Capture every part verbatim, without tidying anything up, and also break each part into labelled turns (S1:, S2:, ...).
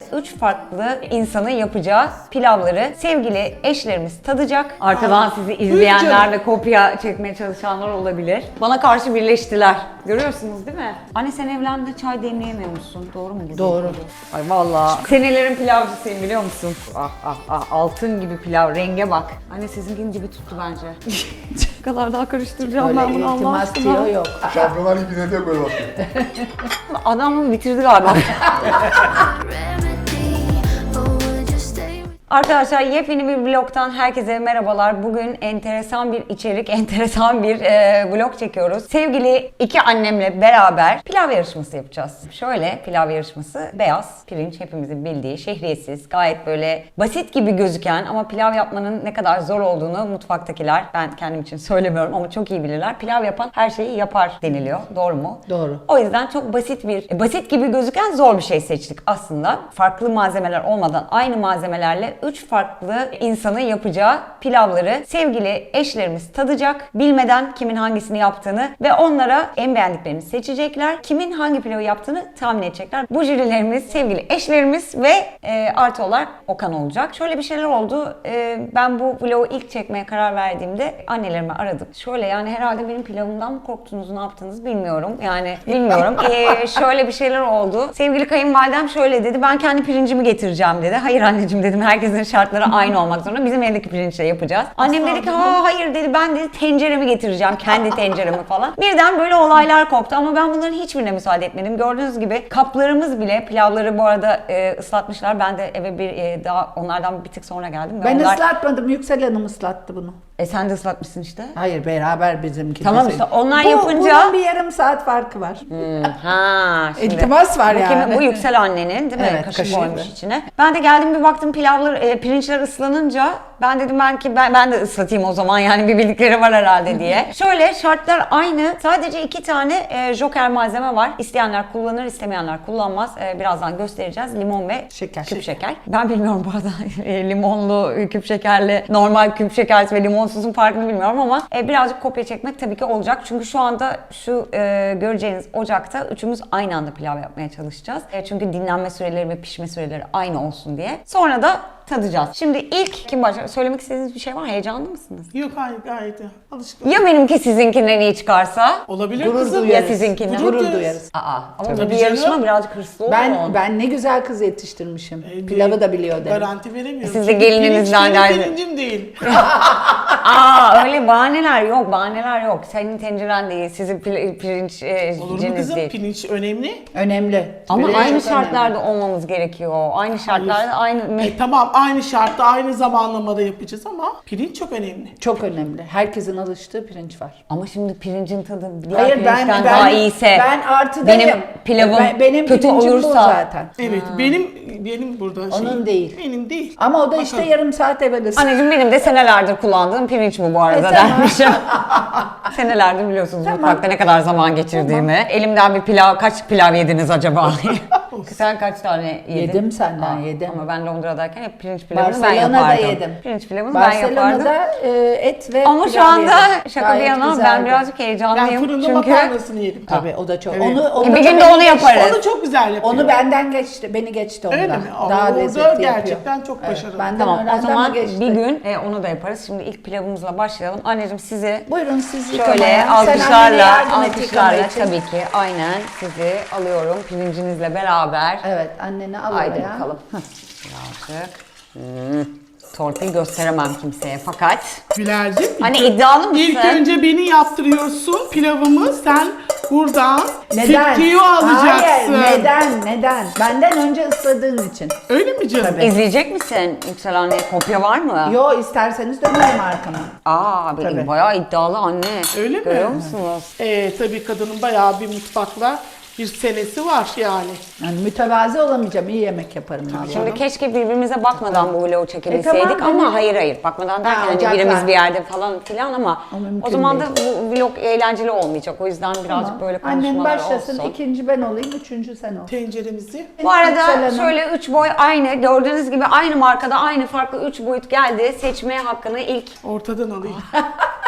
S1: üç farklı insanın yapacağı pilavları sevgili eşlerimiz tadacak. Arkadan sizi izleyenler ve kopya çekmeye çalışanlar olabilir. Bana karşı birleştiler. Görüyorsunuz değil mi? Anne sen evlendin, çay demleyemiyormuşsun. Doğru mu?
S2: Doğru.
S1: Ay vallahi. Senelerin pilavcısıyım biliyor musun? Ah ah ah altın gibi pilav, renge bak. Anne sizinkinin gibi tuttu bence. Ne kadar daha karıştıracağım
S2: Öyle
S1: ben bunu Allah
S2: iltimas
S1: aşkına.
S2: diyor yok.
S3: Şampiyonlar Ligi'ne de böyle bakıyor.
S1: Adam bitirdi galiba. Arkadaşlar yepyeni bir vlogtan herkese merhabalar. Bugün enteresan bir içerik, enteresan bir e, vlog çekiyoruz. Sevgili iki annemle beraber pilav yarışması yapacağız. Şöyle pilav yarışması beyaz, pirinç hepimizin bildiği, şehriyesiz, gayet böyle basit gibi gözüken ama pilav yapmanın ne kadar zor olduğunu mutfaktakiler, ben kendim için söylemiyorum ama çok iyi bilirler. Pilav yapan her şeyi yapar deniliyor. Doğru mu?
S2: Doğru.
S1: O yüzden çok basit bir, basit gibi gözüken zor bir şey seçtik aslında. Farklı malzemeler olmadan aynı malzemelerle üç farklı insanın yapacağı pilavları sevgili eşlerimiz tadacak. Bilmeden kimin hangisini yaptığını ve onlara en beğendiklerini seçecekler. Kimin hangi pilavı yaptığını tahmin edecekler. Bu jürilerimiz sevgili eşlerimiz ve e, artı olarak Okan olacak. Şöyle bir şeyler oldu. E, ben bu vlogu ilk çekmeye karar verdiğimde annelerimi aradım. Şöyle yani herhalde benim pilavımdan mı korktunuz, ne yaptınız bilmiyorum. Yani bilmiyorum. E, şöyle bir şeyler oldu. Sevgili kayınvalidem şöyle dedi. Ben kendi pirincimi getireceğim dedi. Hayır anneciğim dedim. Herkesin şartları aynı olmak zorunda. Bizim evdeki pirinçle yapacağız. Annem dedi ki ha hayır dedi. Ben dedi tenceremi getireceğim. Kendi tenceremi falan. Birden böyle olaylar koptu ama ben bunların hiçbirine müsaade etmedim. Gördüğünüz gibi kaplarımız bile pilavları bu arada e, ıslatmışlar. Ben de eve bir e, daha onlardan bir tık sonra geldim. Ve
S2: Ben
S1: onlar...
S2: ıslatmadım. Yüksel Hanım ıslattı bunu.
S1: E sen de ıslatmışsın işte.
S2: Hayır beraber bizimki.
S1: Tamam
S2: bizim.
S1: işte onlar
S2: Bu,
S1: yapınca...
S2: Bunun bir yarım saat farkı var.
S1: Hmm, ha, şimdi
S2: İltimas var
S1: bu
S2: yani.
S1: Kimin, bu Yüksel annenin değil mi?
S2: Evet,
S1: Kaşık
S2: kaşığı.
S1: koymuş içine. Ben de geldim bir baktım pilavlar, e, pirinçler ıslanınca ben dedim ben ki ben, ben de ıslatayım o zaman yani bir bildikleri var herhalde diye. Şöyle şartlar aynı. Sadece iki tane e, joker malzeme var. İsteyenler kullanır, istemeyenler kullanmaz. E, birazdan göstereceğiz. Limon ve
S2: Şeker.
S1: küp şeker. Ben bilmiyorum bu arada e, limonlu küp şekerle normal küp şekerli ve limonsuzun farkını bilmiyorum ama e, birazcık kopya çekmek tabii ki olacak. Çünkü şu anda şu e, göreceğiniz ocakta üçümüz aynı anda pilav yapmaya çalışacağız. E, çünkü dinlenme süreleri ve pişme süreleri aynı olsun diye. Sonra da tadacağız. Şimdi ilk kim başlar? Söylemek istediğiniz bir şey var? Heyecanlı mısınız?
S4: Yok hayır gayet iyi. Alışkın.
S1: Ya benimki sizinkinden iyi çıkarsa?
S4: Olabilir
S2: Gurur
S4: kızım.
S2: duyarız.
S1: Ya sizinkinden?
S4: Gurur
S2: Gurur
S4: duyarız.
S2: duyarız.
S1: Aa, ama
S4: Tabii
S1: bu bir
S4: canım.
S1: yarışma birazcık hırslı olun.
S2: Ben ben ne güzel kız yetiştirmişim.
S4: E,
S2: Pilavı da biliyor dedim.
S4: Garanti veremiyorum.
S1: Siz de
S4: Çünkü
S1: gelininizden
S4: pirinç
S1: geldi.
S4: benim pirincim değil.
S1: Aa öyle bahaneler yok, bahaneler yok. Senin tenceren değil, sizin pil- pirinç e,
S4: Olur mu
S1: ciniz
S4: kızım?
S1: değil.
S4: Pirinç önemli.
S2: Önemli.
S1: Ama
S2: Pirinç
S1: aynı
S2: çok
S1: şartlarda olmamız gerekiyor. Aynı şartlarda aynı...
S4: E, tamam aynı şartta aynı zamanlamada yapacağız ama pirinç çok önemli.
S2: önemli. Çok önemli. Herkesin alıştığı pirinç var.
S1: Ama şimdi pirincin tadı diğer
S2: Hayır ben
S1: pirinçten
S2: ben
S1: daha iyiyse,
S2: ben artıdayım.
S1: benim pilavım
S2: Ben- benim
S1: kötü
S2: pirincim bu
S1: olursa,
S2: zaten.
S4: Evet benim benim burada
S2: Onun
S4: şeyim-
S2: değil.
S4: Benim değil.
S2: Ama o da işte
S4: Bakalım.
S2: yarım saat evvel ısıtıyor.
S1: anneciğim benim de senelerdir kullandığım pirinç bu bu arada
S2: E, tamam.
S1: dermişim. Senelerdir biliyorsunuz
S2: Tamam.
S1: mutfakta ne kadar zaman geçirdiğimi. Elimden bir pilav, kaç pilav yediniz acaba? Sen kaç tane yedin?
S2: Yedim senden,
S1: Aa,
S2: yedim.
S1: Ama ben Londra'dayken hep pirinç pilavını ben
S2: Barcelona'da
S1: yapardım.
S2: yedim.
S1: Pirinç pilavını ben yapardım.
S2: Barcelona'da e, et ve
S1: Ama şu
S2: pilav
S1: anda
S2: yedim.
S1: şaka bir
S2: Gayet
S1: yana ben
S2: güzeldi.
S1: birazcık
S4: Ben
S1: heyecanlıyım.
S4: fırında
S1: çünkü
S4: makarnasını yedim.
S2: Tabii o da çok.
S4: Evet.
S2: Onu, onu
S1: bir
S2: da
S1: gün de
S2: beni
S1: onu
S2: geçti.
S1: yaparız.
S4: Onu çok güzel yapıyor.
S2: Onu benden geçti, beni geçti ondan.
S4: Öyle mi? Aa,
S2: Daha
S4: orada
S2: lezzetli
S4: gerçekten
S2: yapıyor.
S4: çok başarılı.
S2: Benden
S1: Tamam o
S2: öğrendi ama
S1: zaman
S2: geçti.
S1: bir gün e, onu da yaparız. Şimdi ilk pilavımızla başlayalım. Anneciğim sizi
S2: Buyurun siz
S1: şöyle
S2: yıkamaya. Sen annene
S1: alkışlarla,
S2: yardım et
S1: alkışlarla
S2: yıkama için.
S1: tabii ki aynen sizi alıyorum pirincinizle beraber.
S2: Evet anneni al
S1: Haydi
S2: oraya.
S1: bakalım. Birazcık. Hmm. Torpil gösteremem kimseye fakat.
S4: Güler'cim.
S1: Hani
S4: ilk-
S1: iddialı mısın?
S4: İlk önce beni yaptırıyorsun pilavımı. Sen buradan
S2: Neden?
S4: sirkeyi alacaksın.
S2: Hayır neden neden? Benden önce ısladığın için.
S4: Öyle mi canım?
S2: Tabii.
S1: İzleyecek misin Yüksel anne? Kopya var mı?
S2: Yo isterseniz dönerim arkama.
S1: Aa bir-
S2: Tabii.
S1: bayağı iddialı anne.
S4: Öyle mi?
S1: Görüyor musunuz?
S4: Ee, tabii kadının bayağı bir mutfakla bir senesi var yani.
S2: Yani mütevazi olamayacağım. iyi yemek yaparım vallahi.
S1: Şimdi keşke birbirimize bakmadan bu vlogu çekebilseydik
S2: E, tamam,
S1: ama
S2: hani-
S1: hayır hayır bakmadan derken
S2: Ha,
S1: hani
S2: ocaklar.
S1: birimiz bir yerde falan filan ama
S2: O mümkün
S1: o zaman
S2: değil.
S1: da bu vlog eğlenceli olmayacak. O yüzden birazcık
S2: Tamam.
S1: böyle
S2: Annen
S1: konuşmalar
S2: başlasın,
S1: olsun.
S2: ikinci ben olayım, üçüncü sen ol.
S4: Tenceremizi.
S1: Bu arada
S2: Yüksel Hanım.
S1: şöyle üç boy aynı gördüğünüz gibi aynı markada aynı farklı üç boyut geldi. Seçme hakkını ilk
S4: Ortadan alayım.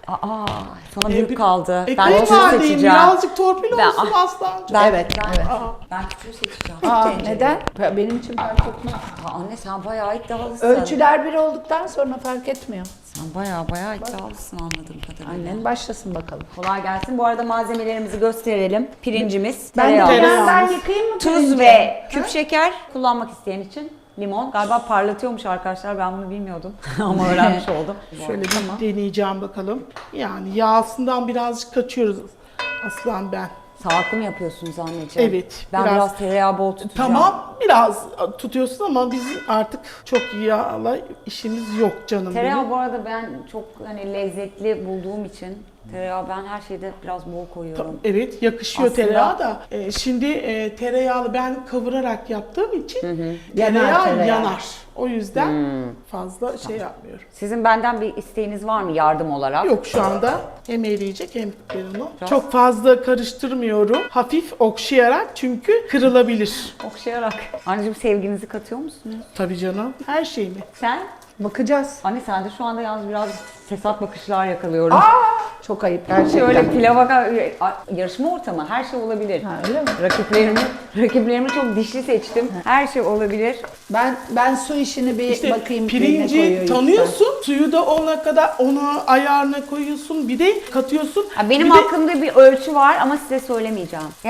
S1: Aa, sana
S4: E,
S1: büyük
S4: bir-
S1: kaldı.
S4: E,
S1: ben küçüğü
S4: kayınvalideyim,
S1: seçeceğim.
S4: birazcık torpil
S1: Ben-
S4: olsun
S1: ah.
S4: Aslancığım.
S1: Ben,
S2: Evet,
S1: ben,
S2: evet.
S1: ben küçüğü seçeceğim.
S2: Aa,
S1: Tencere.
S2: neden? Benim için fark etmez.
S1: Aa, anne sen bayağı iddialısın.
S2: Ölçüler bir olduktan sonra fark etmiyor.
S1: Sen bayağı bayağı iddialısın anladığım kadarıyla.
S2: Annen başlasın bakalım.
S1: Kolay gelsin. Bu arada malzemelerimizi gösterelim. Pirincimiz,
S2: Ben de
S1: tereyağı,
S4: Tereyağı.
S2: ben yıkayayım mı
S1: tuz
S2: pirinci?
S1: ve küp şeker kullanmak isteyen için limon. Galiba parlatıyormuş arkadaşlar. Ben bunu bilmiyordum ama öğrenmiş oldum.
S4: Şöyle bir deneyeceğim bakalım. Yani yağsından birazcık kaçıyoruz Aslan ben.
S1: Sağlıklı mı yapıyorsunuz anneciğim?
S4: Evet,
S1: Ben biraz,
S4: biraz-
S1: tereyağı bol tutacağım.
S4: Tamam biraz tutuyorsun ama biz artık çok yağla işimiz yok canım
S1: Tereyağı
S4: benim.
S1: bu arada ben çok hani lezzetli bulduğum için tereyağı ben her şeyde biraz bol koyuyorum.
S4: Evet yakışıyor
S1: Aslında-
S4: tereyağı da. Ee, şimdi e, tereyağlı ben kavurarak yaptığım için
S2: Yanar
S4: tereyağı
S2: tereyağı.
S4: yanar. O yüzden fazla şey yapmıyorum.
S1: Sizin benden bir isteğiniz var mı yardım olarak?
S4: Yok şu anda hem eriyecek hem ben onu. Çok fazla karıştırmıyorum. Hafif okşayarak çünkü kırılabilir.
S1: Okşayarak. Anneciğim sevginizi katıyor musunuz?
S4: Tabii canım. Her şey mi?
S1: Sen?
S2: Bakacağız.
S1: Anne sen de şu anda yalnız biraz fesat bakışlar yakalıyorum.
S2: Çok ayıp gerçekten.
S1: Şöyle pilava yarışma ortamı her şey olabilir.
S2: Ha, öyle mi?
S1: Rakiplerimi, rakiplerimi çok dişli seçtim. Her şey olabilir.
S2: Ben ben su işini bir
S4: İşte
S2: bakayım.
S4: pirinci
S2: ne koyuyor
S4: tanıyorsun, suyu da ona kadar ona ayarına koyuyorsun, bir de katıyorsun.
S1: Ha, benim
S4: bir de-
S1: aklımda bir ölçü var ama size söylemeyeceğim. Ya,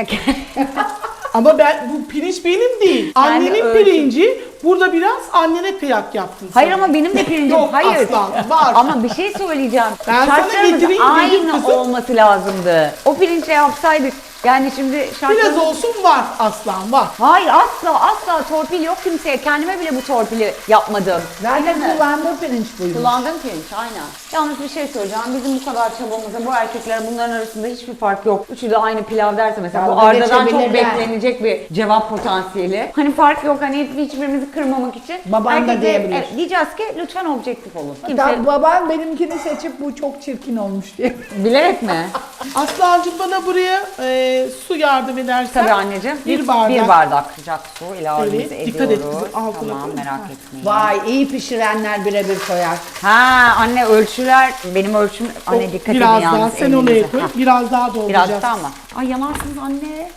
S4: ama ben bu pirinç benim değil.
S1: Sen de
S4: Annenin
S1: ölçü-
S4: pirinci. Burada biraz annene kıyak yaptın.
S1: Hayır
S4: sen.
S1: ama benim de pirincim.
S4: Yok
S1: Hayır.
S4: aslan, var.
S1: Ama bir şey söyleyeceğim.
S4: Ben sana
S1: Şartlarımız
S4: getireyim dedim
S1: aynı
S4: kızım.
S1: olması lazımdı. O pirinçle yapsaydık. Yani şimdi şartlarımız...
S4: Biraz olsun var aslan var.
S1: Hayır asla asla torpil yok kimseye. Kendime bile bu torpili yapmadım.
S2: Zaten
S1: Değil mi?
S2: kullandığı pirinç buymuş.
S1: Kullandığım pirinç aynen. Yalnız bir şey söyleyeceğim. Bizim bu kadar çabamızda bu erkekler bunların arasında hiçbir fark yok. Üçü de aynı pilav derse mesela bu
S2: Dalga
S1: Arda'dan çok
S2: geçebilirler.
S1: beklenecek bir cevap potansiyeli. Hani fark yok hani hiçbirimizi kırmamak için.
S2: Baban da
S1: erkekler-
S2: diyebilir.
S1: Evet, diyeceğiz ki lütfen objektif olun. Kimse
S2: Hatta babam benimkini seçip bu çok çirkin olmuş diye.
S1: bilerek mi?
S4: Aslancığım bana buraya e, su yardım edersen.
S1: Tabii anneciğim.
S4: Bir bardak.
S1: Bir bardak sıcak su ilavemizi
S4: Evet,
S1: ediyoruz.
S4: dikkat et kızım, altına
S1: Tamam
S4: koy.
S1: merak
S4: Ha.
S1: etmeyin.
S2: Vay iyi pişirenler birebir koyar.
S1: Ha anne ölçüler benim ölçüm anne
S4: O
S1: dikkat edin
S4: biraz
S1: yalnız
S4: daha sen
S1: elinize.
S4: oraya koy.
S1: Ha,
S4: Biraz daha dolduracağız.
S1: Biraz daha mı? Ay yanarsınız anne.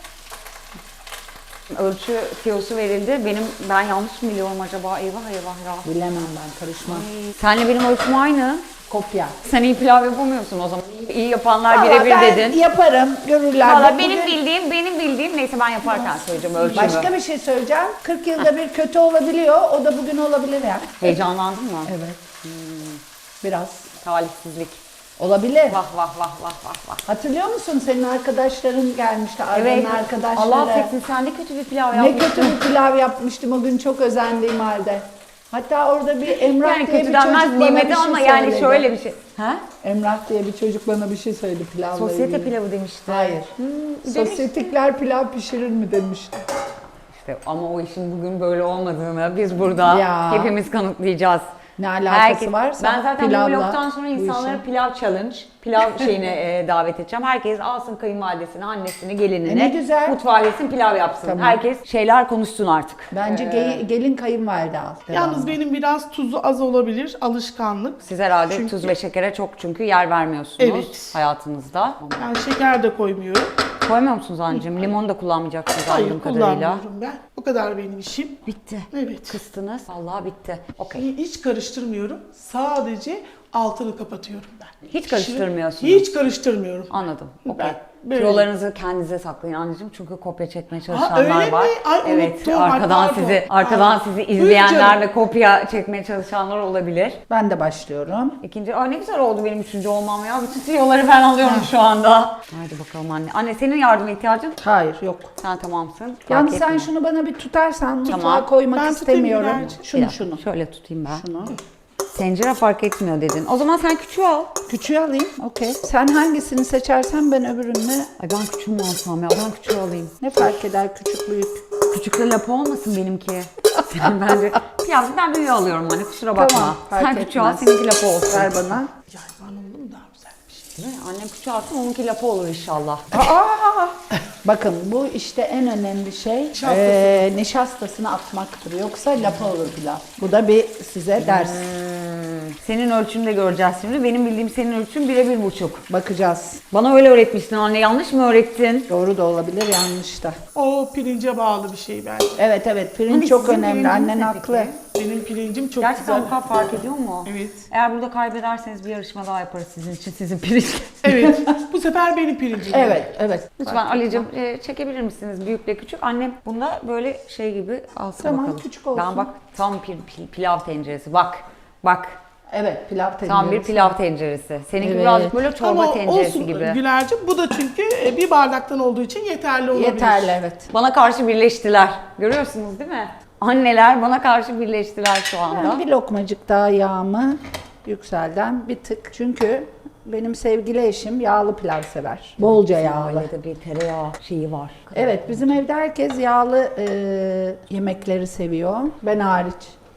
S1: Ölçü tiyosu verildi. Benim ben yanlış mı biliyorum acaba? Eyvah eyvah ya.
S2: Bilemem ben karışmam.
S1: Senle benim ölçüm aynı.
S2: Kopya.
S1: Sen iyi pilav yapamıyorsun o zaman. İyi yapanlar
S2: Valla
S1: birebir
S2: ben
S1: dedin.
S2: yaparım, görürler.
S1: Valla
S2: Bak
S1: benim
S2: bugün
S1: bildiğim, benim bildiğim neyse ben yaparken söyleyeceğim ölçümü.
S2: Başka bir şey söyleyeceğim. kırk yılda bir kötü olabiliyor. O da bugün olabilir yani.
S1: Heyecanlandın mı?
S2: Evet. Biraz.
S1: Talihsizlik.
S2: Olabilir.
S1: Vah vah vah vah vah vah.
S2: Hatırlıyor musun senin arkadaşların gelmişti, Arda'nın
S1: Evet.
S2: arkadaşları.
S1: Allah affetsin sen de kötü bir pilav
S2: Ne
S1: yapmışsın.
S2: kötü bir pilav yapmıştım o gün çok özendiğim halde. Hatta orada bir Emrah
S1: Yani
S2: diye
S1: kötü
S2: bir
S1: denmez
S2: çocuk bana bir
S1: nimeti
S2: şey
S1: ama yani
S2: söyledi.
S1: şöyle bir şey. Ha?
S2: Emrah diye bir çocuk bana bir şey söyledi pilavla
S1: Sosyete
S2: ilgili.
S1: pilavı demişti.
S2: Hayır.
S1: Hmm,
S2: Sosyetikler pilav pişirir mi demişti.
S1: İşte ama o işin bugün böyle olmadığını biz burada
S2: Ya.
S1: hepimiz kanıtlayacağız.
S2: Ne alakası
S1: Herkes-
S2: varsa
S1: Ben zaten
S2: pilavla
S1: bu vlogtan sonra
S2: bu
S1: insanları
S2: işe.
S1: pilav challenge, pilav şeyine e, davet edeceğim. Herkes alsın kayınvalidesini, annesini, gelinini.
S2: E ne güzel.
S1: Mutfağa gelsin pilav yapsın.
S2: Tamam.
S1: Herkes şeyler konuşsun artık.
S2: Bence ge- gelin kayınvalide al.
S4: Yalnız
S2: devamlı.
S4: benim biraz tuzu az olabilir. Alışkanlık.
S1: Siz herhalde
S4: Çünkü-
S1: tuz ve şekere çok çünkü yer vermiyorsunuz
S4: Evet.
S1: hayatınızda.
S4: Ben şeker de koymuyorum.
S1: Koymuyor musunuz anneciğim? Limon da kullanmayacaksınız
S4: Hayır
S1: anladığım kadarıyla.
S4: kullanmıyorum ben. O kadar benim işim.
S1: Bitti.
S4: Evet.
S1: Kıstınız. Vallahi bitti. Okey.
S4: Hiç karıştırmıyorum. Sadece altını kapatıyorum ben.
S1: Hiç karıştırmıyorsunuz.
S4: Hiç karıştırmıyorum.
S1: Anladım. Okey.
S4: Ben böyle-
S1: Tiyolarınızı kendinize saklayın anneciğim çünkü kopya çekmeye
S4: Ha,
S1: çalışanlar
S4: öyle
S1: var.
S4: mi? Ay,
S1: evet,
S4: unuttum. Ay,
S1: arkadan
S4: pardon.
S1: sizi arkadan
S4: Ay.
S1: sizi
S4: Buyurun
S1: izleyenler
S4: canım.
S1: ve kopya çekmeye çalışanlar olabilir.
S2: Ben de başlıyorum.
S1: İkinci, aa ne güzel oldu benim üçüncü olmam ya. Bütün tiyoları ben alıyorum şu anda. Haydi bakalım anne. Anne senin yardıma ihtiyacın?
S2: Hayır yok.
S1: Sen tamamsın. Fark
S2: Yalnız sen
S1: etmiyor.
S2: şunu bana bir tutarsan mutfağa
S1: Tamam.
S2: koymak
S4: Ben tutayım
S2: istemiyorum.
S4: birazcık.
S2: Şunu
S1: Bir
S2: şunu.
S1: dakika, şöyle tutayım ben.
S2: Şunu.
S1: Tencere fark etmiyor dedin. O zaman sen küçüğü al.
S2: Küçüğü alayım. Okey. Sen hangisini seçersen ben öbürünü.
S1: Ay ben küçüğü mü alsam ya? Ben küçüğü alayım.
S2: Ne fark eder küçük büyük.
S1: Küçükle lapa olmasın benimki. Sen bence pilav ben büyüğü alıyorum hani kusura bakma.
S2: Tamam, fark
S1: Sen küçüğü al
S2: etmez.
S1: seninki lapa olsun.
S2: Ver bana.
S4: Yayvan oldu mu daha güzelmiş.
S1: Değil mi? Annem küçüğü alsın onunki lapa olur inşallah.
S2: Aa! Bakın bu işte en önemli şey
S4: Nişastası.
S2: eee, nişastasını atmaktır. Yoksa lapa olur pilav. Bu da bir size ders.
S1: Senin ölçünü de göreceğiz şimdi. Benim bildiğim senin ölçün bire bir buçuk.
S2: Bakacağız.
S1: Bana öyle öğretmiştin anne. Yanlış mı öğrettin?
S2: Doğru da olabilir, yanlış da.
S4: O pirince bağlı bir şey bence.
S2: Evet evet, pirinç
S1: Hani
S2: çok
S1: sizin
S2: önemli.
S1: pirinciniz
S2: Annen
S1: ne
S2: haklı.
S1: peki?
S4: Benim pirincim çok
S1: Gerçekten
S4: güzel.
S1: bu kadar fark ediyor mu?
S4: Evet.
S1: Eğer burada kaybederseniz bir yarışma daha yaparız sizin için. Sizin pirinç.
S4: Evet. Bu sefer benim pirincim.
S2: Evet evet.
S1: Lütfen Ali'cim e, çekebilir misiniz büyükle küçük? Annem bunda böyle şey gibi alsın
S2: Tamam,
S1: bakalım.
S2: küçük olsun.
S1: Ben bak tam pil, pil- pilav tenceresi. Bak. Bak.
S2: Evet, pilav tenceresi.
S1: Tam bir pilav tenceresi. Seninki
S2: Evet.
S1: birazcık böyle çorba
S4: Ama
S1: tenceresi
S4: olsun
S1: gibi.
S4: Güler'cim, bu da çünkü bir bardaktan olduğu için yeterli olabilir.
S2: Yeterli, evet.
S1: Bana karşı birleştiler. Görüyorsunuz değil mi? Anneler bana karşı birleştiler şu anda.
S2: Ben bir lokmacık daha yağımı Yüksel'den bir tık. Çünkü benim sevgili eşim yağlı pilav sever. Bolca yağlı.
S1: Ailede bir tereyağı şeyi var.
S2: Evet, bizim evde herkes yağlı e, yemekleri seviyor. Ben hariç.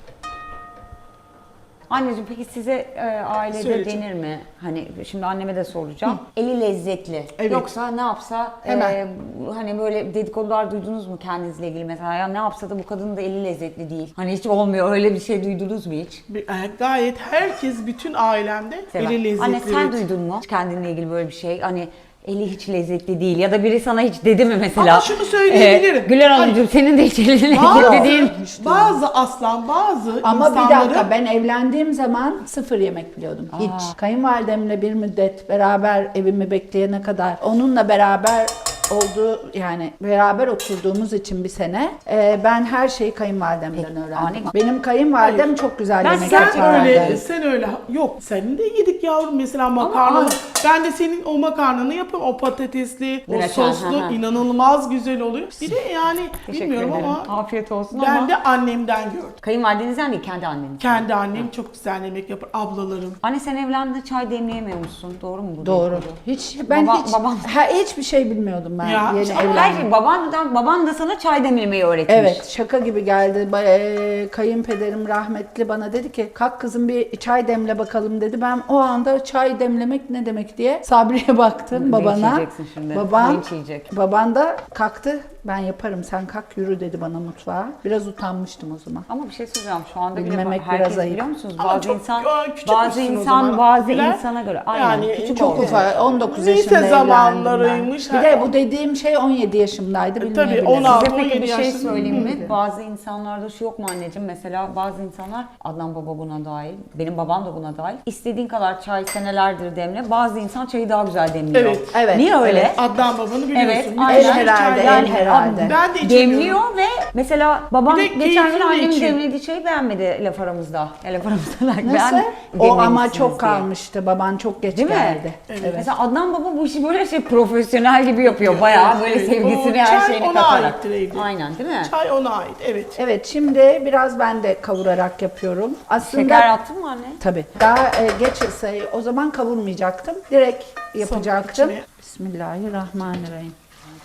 S1: Anneciğim peki size e, ailede
S4: Söyleyeceğim.
S1: denir mi? Hani şimdi anneme de soracağım. Eli lezzetli.
S4: Evet.
S1: Yoksa ne yapsa
S2: Hemen.
S1: e, hani böyle dedikodular duydunuz mu kendinizle ilgili mesela? Ya ne yapsa da bu kadının da eli lezzetli değil. Hani hiç olmuyor öyle bir şey duydunuz mu hiç?
S4: Bir- e, Gayet herkes, bütün ailemde
S1: Sever.
S4: eli lezzetli.
S1: Anne sen
S4: evet.
S1: duydun mu hiç kendinle ilgili böyle bir şey? Hani eli hiç lezzetli değil ya da biri sana hiç dedi mi mesela?
S4: Ama şunu söyleyebilirim.
S1: Ee, Güler Hanımcığım senin de hiç elin lezzetli
S4: Bazı,
S1: değil.
S4: bazı aslan, bazı
S2: Ama bir
S4: insanların...
S2: dakika, ben evlendiğim zaman sıfır yemek biliyordum. Hiç. Kayınvalidemle bir müddet beraber evimi bekleyene kadar onunla beraber oldu, yani beraber oturduğumuz için bir sene e, ben her şeyi kayınvalidemden
S1: Peki,
S2: öğrendim.
S1: ani-
S2: Benim kayınvalidem çok güzel
S1: Ben
S2: yemek
S1: sen
S4: Sen
S2: yapardı.
S4: öyle, sen öyle. Yok, senin de yedik yavrum mesela makarna.
S1: Ama-
S4: Ben de senin o makarnanı yapıyorum. O patatesli, o
S1: Reçel,
S4: soslu
S1: hı hı.
S4: inanılmaz güzel oluyor. Bir de yani
S1: Teşekkür
S4: bilmiyorum
S1: ederim.
S4: ama
S1: Afiyet olsun
S4: ben
S1: ama.
S4: de annemden gördüm.
S1: Kayınvalidenizden değil kendi anneniz.
S4: Kendi annem çok güzel yemek yapar, ablalarım.
S1: Anne sen evlendiğinde çay demleyemiyormuşsun. Doğru mu bu?
S2: Doğru.
S1: dedikodu?
S2: Hiç ben
S1: Baba-
S2: hiç
S1: babam-
S2: ha, hiçbir şey bilmiyordum ben
S4: Ya,
S2: yeni
S4: işte
S1: Ama her
S2: evlendim.
S1: şey babandan, baban da sana çay demlemeyi öğretmiş.
S2: Evet, şaka gibi geldi. Ba- e, Kayınpederim rahmetli bana dedi ki kalk kızım bir çay demle bakalım dedi. Ben o anda çay demlemek ne demek diye Sabri'ye baktım,
S1: Linç
S2: babana.
S1: yiyeceksin şimdi.
S2: Baban,
S1: Linç yiyecek.
S2: baban da kalktı. Ben yaparım, sen kalk yürü dedi bana mutfağa. Biraz utanmıştım o zaman.
S1: Ama bir şey söyleyeceğim şu anda bile
S2: Bilmemek
S1: bak- herkes
S2: biraz ayıp.
S1: biliyor musunuz?
S4: Ama
S1: Bazı
S4: çok,
S1: insan
S4: aa, küçük
S1: bazı
S4: müsün o
S1: insan
S4: zaman?
S1: bazı
S4: Bilen-
S1: insana göre aynen
S4: Yani
S1: küçük
S4: çok
S1: oldu.
S2: Ufak, on dokuz
S4: Lise
S2: yaşında evlendim
S4: zamanlarıymış.
S2: ben. Bir de bu dediğim şey on yedi yaşımdaydı,
S4: tabii,
S2: bilmeyebilirim.
S4: on altı.
S1: Size peki
S4: on yedi
S1: bir şey
S4: yaşında-
S1: söyleyeyim mi? Bazı insanlarda şu yok mu anneciğim? Mesela bazı insanlar, Adnan baba buna dahil, benim babam da buna dahil. İstediğin kadar çay senelerdir demle. Bazı insan çayı daha güzel demliyor.
S4: Evet,
S2: evet,
S1: Niye öyle?
S2: evet.
S4: Adnan babanı biliyorsun.
S1: Evet,
S4: Müthiş
S1: aynen.
S4: bir
S2: herhalde,
S4: çay-
S2: el herhalde.
S4: Ben de içemiyorum.
S1: Demliyor ve mesela babam
S4: Bir de
S1: geçen gün
S4: keyifli
S1: annemin
S4: içiyor.
S1: demlediği çayı beğenmedi laf aramızda. Ya laf aramızda like,
S2: Nasıl?
S1: ben
S2: O ama
S1: demlemişsiniz
S2: çok
S1: diye.
S2: kalmıştı. Baban çok geç
S1: Değil mi?
S2: geldi.
S4: Evet.
S1: Mesela Adnan baba bu işi böyle şey profesyonel gibi yapıyor. Bayağı böyle
S4: Evet.
S1: sevgisini
S4: O
S1: her
S4: çay
S1: şeyini
S4: ona
S1: katarak.
S4: aittir evde.
S1: Aynen değil mi?
S4: Çay ona ait, evet.
S2: Evet, şimdi biraz ben de kavurarak yapıyorum. Aslında
S1: Şeker attın mı anne?
S2: tabii. Daha e, geç ısayı o zaman kavurmayacaktım. Direkt yapacaktım.
S4: içine.
S2: Bismillahirrahmanirrahim.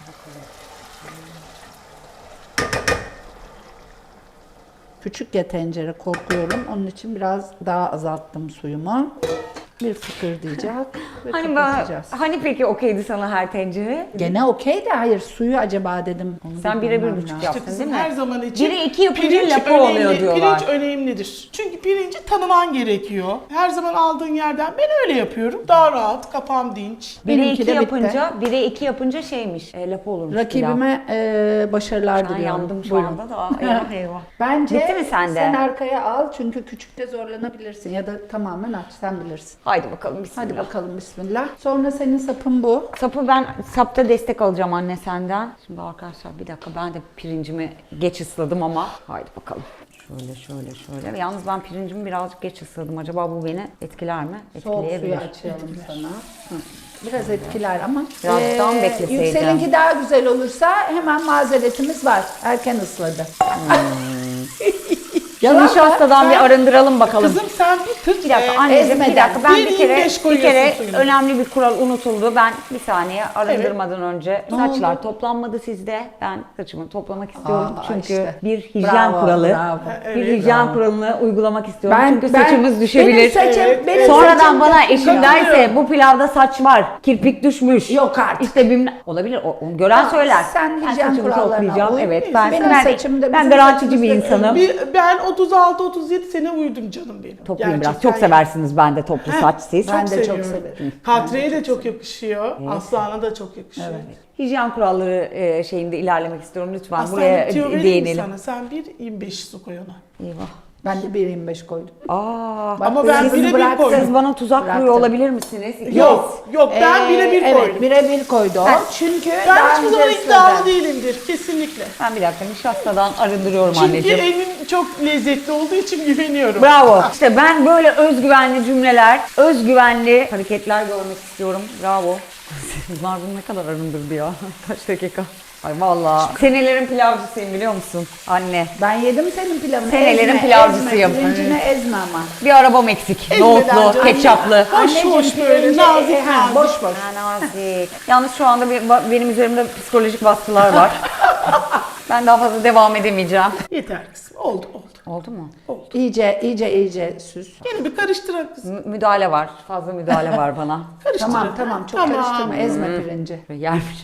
S2: Küçük ya tencere, korkuyorum. Onun için biraz daha azalttım suyumu. Bir fıkırdayacak ve
S1: Hani bana,
S2: kapatacağız.
S1: hani peki okeydi sana her tencere?
S2: Gene okey de hayır, suyu acaba dedim. Onu
S1: Sen
S2: bir
S1: bire bir
S2: bilmem
S1: buçuk
S2: lazım.
S1: yaptın
S4: Kızım
S1: değil mi?
S4: her zaman için
S1: Biri iki yapınca
S4: pirinç
S1: lapa
S4: önemli,
S1: oluyor diyorlar.
S4: Pirinç önemlidir. Çünkü pirinci tanıman gerekiyor. Her zaman aldığın yerden ben öyle yapıyorum. Daha rahat, kafam dinç.
S1: Bire
S2: Benimki
S1: iki
S2: de bitti.
S1: yapınca, bire iki yapınca şeymiş, e, lapa olurmuş.
S2: Rakibime e, başarılar
S1: pilav. Ben
S2: diliyorum.
S1: yandım şu
S2: Buyurun.
S1: anda da. Eyvah eyvah.
S2: Bence
S1: Bitti mi sende?
S2: sen arkaya al çünkü küçükte zorlanabilirsin ya da tamamen aç, sen bilirsin.
S1: Haydi bakalım bismillah.
S2: Hadi bakalım bismillah. Sonra senin sapın bu.
S1: Sapı ben sapta destek alacağım anne senden. Şimdi arkadaşlar bir dakika ben de pirincimi geç ısladım ama haydi bakalım. Şöyle şöyle şöyle. Yalnız ben pirincimi birazcık geç ısladım. Acaba bu beni etkiler mi?
S2: Soğuk suyu
S1: Etkileyebilir.
S2: açalım sana. Hı. Biraz etkiler ama.
S1: Biraz daha mı bekleseydim?
S2: Yükselinki daha güzel olursa hemen mazeretimiz var. Erken ısladı. Yalan
S1: Nişastadan
S2: var.
S1: bir arındıralım bakalım.
S4: Kızım sen bir tık
S1: Bir dakika
S4: e,
S1: anneciğim bir
S2: ezmeden.
S1: dakika ben
S4: bir
S1: bir kere
S4: yirmi beş
S1: bir kere
S4: koyuyorsun suyunu.
S1: önemli bir kural unutuldu. Ben bir saniye arındırmadan önce
S2: Ne
S1: saçlar
S2: oldu?
S1: toplanmadı sizde. Ben saçımı toplamak istiyorum
S2: Aa,
S1: çünkü
S2: işte.
S1: bir hijyen
S2: Bravo,
S1: kuralı.
S2: bravo.
S1: Bir
S4: Evet,
S1: hijyen
S2: bravo.
S1: kuralını uygulamak istiyorum
S2: Ben,
S1: çünkü
S2: ben-
S1: saçımız düşebilir.
S2: Benim saçım,
S4: Evet,
S2: benim
S4: evet.
S1: Sonradan
S2: saçım
S1: bana
S2: çok
S1: eşim
S2: güzel.
S1: derse bu pilavda saç var, kirpik düşmüş.
S2: Yok artık.
S1: İşte bilmem olabilir. O, onu gören
S2: Tamam,
S1: söyler.
S2: sen
S1: ben
S2: hijyen
S1: saçımı
S2: kurallarına
S1: toplayacağım.
S2: uy.
S1: Evet ben
S2: Benim
S1: ben,
S2: saçım da
S1: ben
S2: bizim
S1: garantici bir
S2: saçımız da-
S1: insanım.
S4: Bir, ben otuz altı otuz yedi sene uyudum canım benim.
S1: Toplayayım biraz.
S4: Gerçekten
S1: Çok seversiniz ben de toplu
S4: Heh,
S1: saç siz.
S2: Ben de çok
S4: seviyorum.
S2: severim.
S4: Katriye de çok yakışıyor. Aslan'a da çok yakışıyor.
S1: Hijyen kuralları e, şeyinde ilerlemek istiyorum. Lütfen
S4: Aslan
S1: buraya
S4: bir tüyo vereyim mi
S1: değinelim.
S4: sana? Sen bir yirmi beş su koy ona.
S1: Eyvah.
S2: Ben de bir yirmi beş koydum.
S1: Aa,
S2: Bak,
S4: Ama ben
S2: hızını
S4: birebir
S2: bıraktın.
S4: koydum.
S1: siz bana tuzak
S2: Bıraktım.
S1: kuruyor olabilir misiniz?
S4: Yok, yok ben
S2: Ee,
S4: birebir
S2: evet,
S4: koydum.
S2: birebir koydu o. Çünkü
S4: Ben
S2: daha
S4: hiçbir zaman
S2: öncesinde
S4: iddialı
S2: de-
S4: değilimdir. Kesinlikle.
S1: Ben bir dakika nişastadan arındırıyorum
S4: Çünkü
S1: anneciğim.
S4: elim çok lezzetli olduğu için güveniyorum.
S1: Bravo. İşte ben böyle özgüvenli cümleler, özgüvenli hareketler görmek istiyorum. Bravo. Bunlar bunu ne kadar arındırdı ya. Kaç dakika. Ay vallahi. Senelerin pilavcısıyım biliyor musun? Anne.
S2: Ben yedim senin pilavını.
S1: Senelerin
S2: Ezme,
S1: pilavcısıyım.
S2: Ezme, pirincini ezme ama.
S1: Bir arabam eksik.
S4: Ezmeden
S1: Nohutlu,
S4: canım.
S1: ketçaplı.
S4: Hoş hoş böyle
S2: pirinci-
S4: nazik
S2: e, ha,
S4: nazik.
S2: boş boş.
S1: Ha, nazik. Yalnız şu anda bir- benim üzerimde psikolojik baskılar var. Ben daha fazla devam edemeyeceğim.
S4: Yeter kızım. Oldu oldu.
S1: Oldu mu?
S2: İyice iyice iyice süs.
S4: Yine bir karıştırak kızım.
S1: Mü- müdahale var. Fazla müdahale var bana.
S4: Karıştırın.
S2: Tamam tamam çok
S4: Tamam.
S2: karıştırma ezme pirinci.
S1: Şöyle yermiş.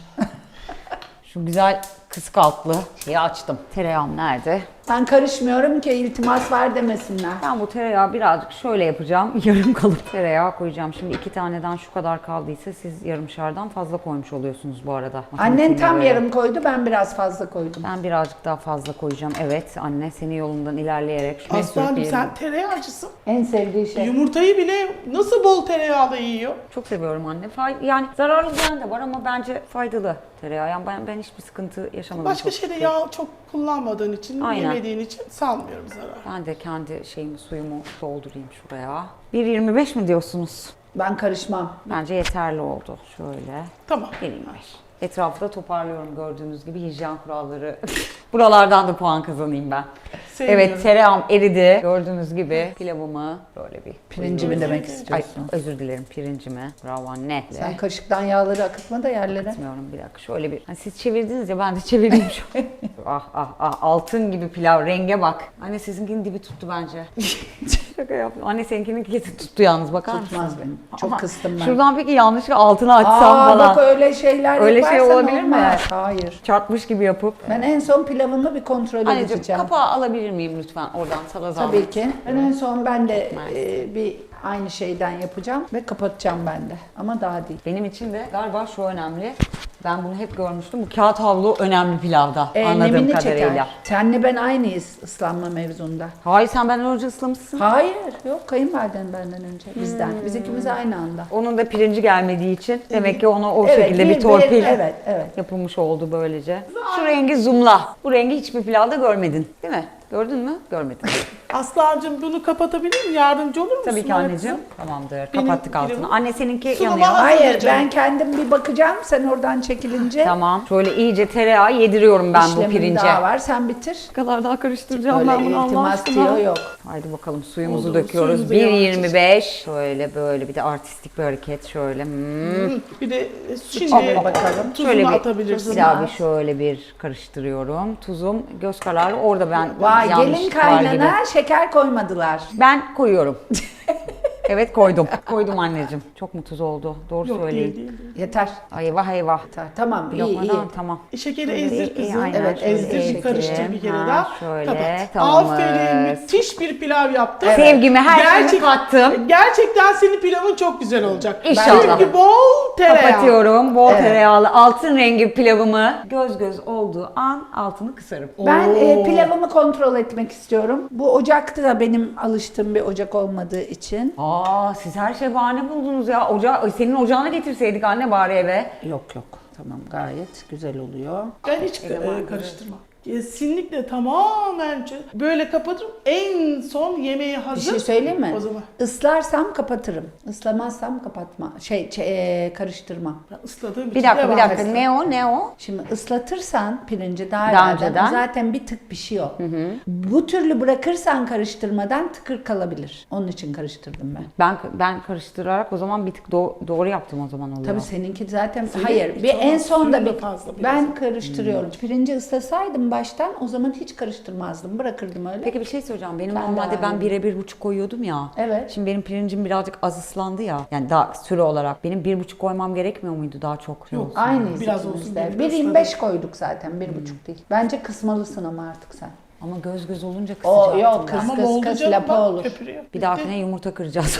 S1: Şu güzel kısık altlı şeyi açtım. Tereyağım nerede?
S2: Ben karışmıyorum ki iltimas var demesinler.
S1: Ben bu tereyağı birazcık şöyle yapacağım. Yarım kalıp tereyağı koyacağım. Şimdi iki taneden şu kadar kaldıysa siz yarımşardan fazla koymuş oluyorsunuz bu arada.
S2: Annen
S1: Matematiğine
S2: tam
S1: göre.
S2: yarım koydu, ben biraz fazla koydum.
S1: Ben birazcık daha fazla koyacağım. Evet anne senin yolundan ilerleyerek. şunu
S4: Aslancığım
S1: sürüp
S4: sen
S1: yiyelim.
S4: tereyağcısın.
S2: En sevdiği şey.
S4: Yumurtayı bile nasıl bol tereyağla yiyor?
S1: Çok seviyorum anne. Fay- yani zararlı diyen de var ama bence faydalı tereyağı. Yani ben, ben hiçbir sıkıntı yaşamadım.
S4: Başka
S1: çok
S4: şeyde
S1: şükür.
S4: yağ çok kullanmadığın için,
S1: Aynen.
S4: yemediğin için sanmıyorum zarar.
S1: Ben de kendi şeyimi suyumu doldurayım şuraya. bir yirmi beş mi diyorsunuz?
S2: Ben karışmam.
S1: Bence yeterli oldu. Şöyle.
S4: Tamam.
S1: bir yirmi beş. Etrafı da toparlıyorum gördüğünüz gibi hijyen kuralları. Buralardan da puan kazanayım ben.
S4: Sevmiyorum.
S1: Evet tereyağım eridi. Gördüğünüz gibi pilavımı böyle bir...
S2: Pirincimi demek
S1: Ay
S2: istiyorsun.
S1: özür dilerim pirincimi. Bravo anne.
S2: Sen kaşıktan yağları akıtma da yerlere.
S1: Bilmiyorum bir dakika şöyle bir. Hani siz çevirdiniz ya ben de çevireyim şu. ah ah ah altın gibi pilav renge bak. Anne sizinkinin dibi tuttu bence. Şaka yaptım. Anne seninkinin kesi tuttu yalnız bakar mısın?
S2: Tutmaz benim. Çok
S1: Ama
S2: kıstım ben.
S1: Şuradan peki yanlışlıkla altını açsam
S2: Aa
S1: falan.
S2: bak öyle şeyler
S1: Öyle şey
S2: yaparsan
S1: olabilir mi?
S2: olmaz. Hayır.
S1: Çarpmış gibi yapıp.
S2: Ben en son pilavımı bir kontrol
S1: Anneciğim
S2: edeceğim.
S1: kapağı alabilir miyim lütfen oradan sana zahmet?
S2: Tabii ki. Ben en son ben de
S1: Maalesef.
S2: e, bir aynı şeyden yapacağım ve kapatacağım ben de. Ama daha değil.
S1: Benim için de galiba şu önemli. Ben bunu hep görmüştüm. Bu kağıt havlu önemli pilavda
S2: E,
S1: anladığım
S2: nemini
S1: kadarıyla.
S2: çeker. Senle ben aynıyız ıslanma mevzunda.
S1: Hayır sen benden önce ıslamışsın.
S2: Hayır. Yok kayınvaliden benden önce. Bizden.
S1: Hmm.
S2: Biz ikimiz aynı anda.
S1: Onun da pirinci gelmediği için demek ki ona o
S2: Evet,
S1: şekilde
S2: bir-
S1: bir torpil
S2: bir- evet, evet.
S1: yapılmış oldu böylece. Şu rengi zoomla. Bu rengi hiçbir pilavda görmedin değil mi? Gördün mü? Görmedin.
S4: Aslancığım bunu kapatabilir miyim? Yardımcı olur musun?
S1: Tabii ki
S4: bana
S1: anneciğim.
S4: kızım?
S1: Tamamdır.
S4: Benim
S1: Kapattık altını.
S4: pilavım-
S1: Anne seninki
S4: Sunuma
S1: yanıyor.
S4: hazır.
S2: Hayır
S4: canım.
S2: ben kendim bir bakacağım. Sen oradan çekilince
S1: Tamam. Şöyle iyice tereyağı yediriyorum ben bu
S2: işlemin
S1: pirince.
S2: daha var. Sen bitir.
S1: Ne kadar daha karıştıracağım
S2: Öyle
S1: ben bunu Allah
S2: iltimas
S1: aşkına.
S2: diyor yok.
S1: Haydi bakalım suyumuzu
S4: Oldu,
S1: döküyoruz.
S4: suyumuzu
S1: bir
S4: yavaşça-
S1: yirmi beş. Şöyle böyle bir de artistik bir hareket şöyle. Hmm.
S4: Hı, Bir de şimdi
S2: Hop, bakalım.
S4: tuzunu
S1: Şöyle bir,
S4: atabilirsin.
S1: bir daha bir şöyle bir karıştırıyorum. Tuzum göz kararı orada ben
S2: Vay gelin
S1: yanlışlık var gibi.
S2: kaynana şeker koymadılar.
S1: Ben koyuyorum. Evet koydum. Koydum anneciğim. Çok mu tuz oldu? Doğru
S4: Yok
S1: söyleyin.
S4: değil değil. değil.
S2: Yeter.
S1: Ay eyvah eyvah.
S2: Yeter. Tamam iyi
S1: Lokmadan
S2: iyi.
S1: tamam.
S4: E, şekeri
S1: Şöyle
S4: ezdir
S1: iyi, iyi,
S4: kızım.
S1: aynen.
S2: Evet,
S1: Şöyle
S2: ezdir,
S4: Ezdir, karıştır bir kere
S1: Ha,
S4: daha.
S1: Şöyle
S4: Kapat.
S1: tamamız.
S4: Aferin, müthiş bir pilav yaptın.
S1: Sevgimi her şeyimi
S4: Gerçek-
S1: kattım.
S4: Gerçekten senin pilavın çok güzel olacak.
S1: İnşallah.
S4: Çünkü bol tereyağı.
S1: Kapatıyorum. Bol
S2: Evet.
S1: tereyağlı altın rengi pilavımı göz göz olduğu an altını kısarım.
S2: Ben e,
S4: Oo.
S2: pilavımı kontrol etmek istiyorum. Bu ocakta da benim alıştığım bir ocak olmadığı için.
S1: Aa siz her şey bahane buldunuz ya. Oca senin ocağına getirseydik anne bari eve.
S2: Yok yok. Tamam gayet güzel oluyor.
S4: Ben hiç e, karıştırmam. Kesinlikle tamamen ç- böyle kapatırım. En son yemeğe
S2: Bir
S4: hazır.
S2: şey söyleyeyim mi?
S4: O zaman
S2: Islarsam kapatırım. Islamazsam kapatma. Şey, şey, e, karıştırmam.
S4: ben ısladığım
S1: Bir
S4: için
S1: dakika bir
S4: devam
S1: dakika
S4: etsin.
S1: ne o ne o?
S2: Şimdi ıslatırsan pirinci daha,
S1: Daha
S2: evvelden,
S1: önceden.
S2: o zaten bir tık pişiyor. Bu türlü bırakırsan karıştırmadan tıkır kalabilir. Onun için karıştırdım ben.
S1: Ben ben karıştırarak o zaman bir tık do- doğru yaptım o zaman oluyor.
S2: Tabii seninki zaten
S4: Senin
S2: hayır.
S4: hiç
S2: Bir en
S4: olmaz,
S2: sonda
S4: suyun da
S2: bir
S4: fazla biraz.
S2: ben karıştırıyorum. Pirinci ıslasaydım baştan o zaman hiç karıştırmazdım. Bırakırdım öyle.
S1: Peki bir şey söyleyeceğim. Benim
S2: Ben de
S1: normalde ben
S2: aynı.
S1: bire bir buçuk koyuyordum ya.
S2: Evet.
S1: Şimdi benim pirincim birazcık az ıslandı ya. Yani daha süre olarak. Benim bir buçuk koymam gerekmiyor muydu daha çok?
S4: Yok.
S2: Aynıyız
S4: Biraz
S2: ikimiz
S4: olsun
S2: de.
S4: diye
S2: bir yirmi beş koyduk zaten. Bir buçuk değil. Bence kısmalısın ama artık sen.
S1: Ama göz göz olunca
S2: O
S1: kısacaktım
S2: yok
S1: ben.
S2: kıs
S4: Ama
S2: kıs
S4: oldu
S2: kıs
S4: canım,
S2: lapa
S4: bak,
S2: olur.
S4: köpürüyor.
S1: Bir dahakine yumurta kıracağız.